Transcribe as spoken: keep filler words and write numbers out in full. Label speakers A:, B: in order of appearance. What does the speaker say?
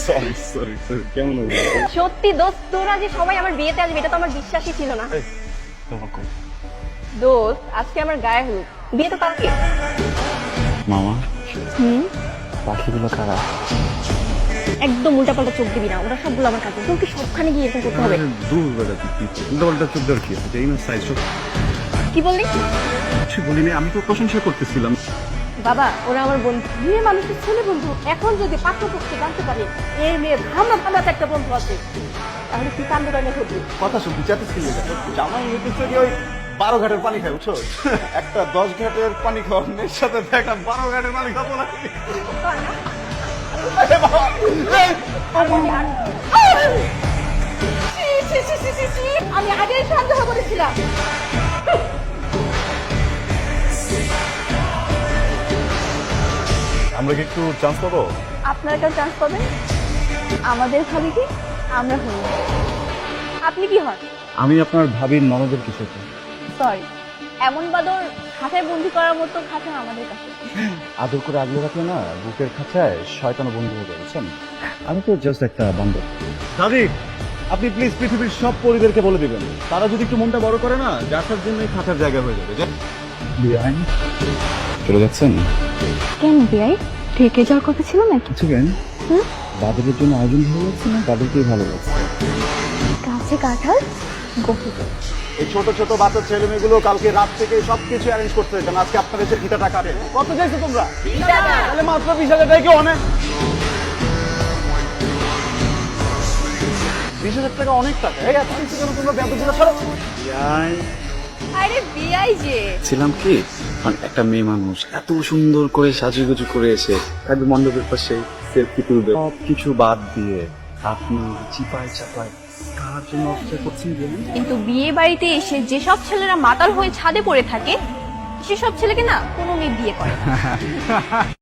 A: Sorry sorry sorry কেমন হলো?
B: সত্যি দোস্ত, তোরা যে সবাই আমার বিয়েতে আসবে এটা তো আমার বিশ্বাসই ছিল না।
A: এই, তোমার কই?
B: দোস্ত, আজকে আমার গায়ে হলুদ, বিয়ে তো কালকে।
A: মামা
B: হুম,
A: পাখিগুলো কারা?
B: একদম উল্টাপাল্টা চোখ দিবি না, ওরা সবগুলো আমার কাছে। তোকে সবখানে গিয়ে এরকম করতে হবে।
A: দূর বেড়া উল্টাপাল্টা চোখ দেওয়ার কি আছে? এই না সাইজ সব
B: কি বললি?
A: কিছু বলিনি, আমি তো প্রশংসা করতেছিলাম।
B: বাবা, ওরা আমার বন্ধু, মেয়ে মানুষের ছেলে বন্ধু। এখন যদি পাঠ্যপুস্তক জানতে পারে এই মেয়ে ভালো ভালো একটা বন্ধু আছে, তাহলে কি কাণ্ড কাণ্ড ঘটবে।
C: কথা শুনতে চাচ্ছিলি জামাই হইতেছে কি ওই বারো ঘাটের পানি খায় বুঝছো? একটা দশ ঘাটের পানি খাওয়ার মেয়ের সাথে একটা বারো ঘাটের পানি খাবো না। আরে বাবা, এই,
B: ছি, ছি, ছি, ছি, ছি, ছি, আমি আগেই সন্দেহ করেছিলাম।
C: আমরা কি একটু চান্স পাবো?
B: আপনারা কেউ চান্স পাবেন? আমাদের ভাবি কি? আমরা হই। আপনি কি হন?
A: আমি আপনার ভাবির ননদের কিছু
B: সরি, এমন বাদর খাঁচায় বন্দি করার মতো খাঁচা আমাদের কাছে।
A: আদর করে আগলে রাখলে না বুকের খাঁচায় শয়তান বন্ধু হয়ে যাবে, বুঝছেন? আমি তো জাস্ট একটা বান্দর। দাদি, আপনি প্লিজ পৃথিবীর সব পরিবারকে বলে দিবেন, তারা যদি একটু মনটা বড় করে না, যার জন্য এই খাঁচার জায়গা হয়ে যাবে। বিয়াই চলে যাচ্ছেন?
B: কেন বিয়াই? ঠেকে যাওয়ার কথা ছিল নাকি?
A: কিছু কেন? বাদরের জন্য আয়োজন হয়ে যাচ্ছে না, বাদরকেই ভালো লাগছে।
B: কাছে কাঁঠাল গভীর।
C: এই ছোট ছোট বাচ্চা ছেলে মেয়েগুলো কালকে রাত থেকে সবকিছু অ্যারেঞ্জ করতে যেতাম, আজকে আপনার এসে ভিটাটা কাটে। কত চাইছো তোমরা? তাহলে মাত্র বিশ হাজার টাকা কি অনেক? বিশ হাজার টাকা অনেক টাকা। এই এত কিছু কেন তোমরা ব্যাপারগুলো ছাড়ো।
B: আরে বিয়াই যে
A: ছিলাম কি, মানে একটা মেয়ে মানুষ এত সুন্দর করে সাজুগুজু করে এসে থাকবে মণ্ডপের পাশে, সেলফি তুলবে, সব কিছু বাদ দিয়ে আপনি চিপায় চাপায় কার জন্য অপেক্ষা করছেন বলুন?
B: কিন্তু বিয়ে বাড়িতে এসে যেসব ছেলেরা মাতাল হয়ে ছাদে পড়ে থাকে, সেসব ছেলেকে না কোনো মেয়ে বিয়ে করে না।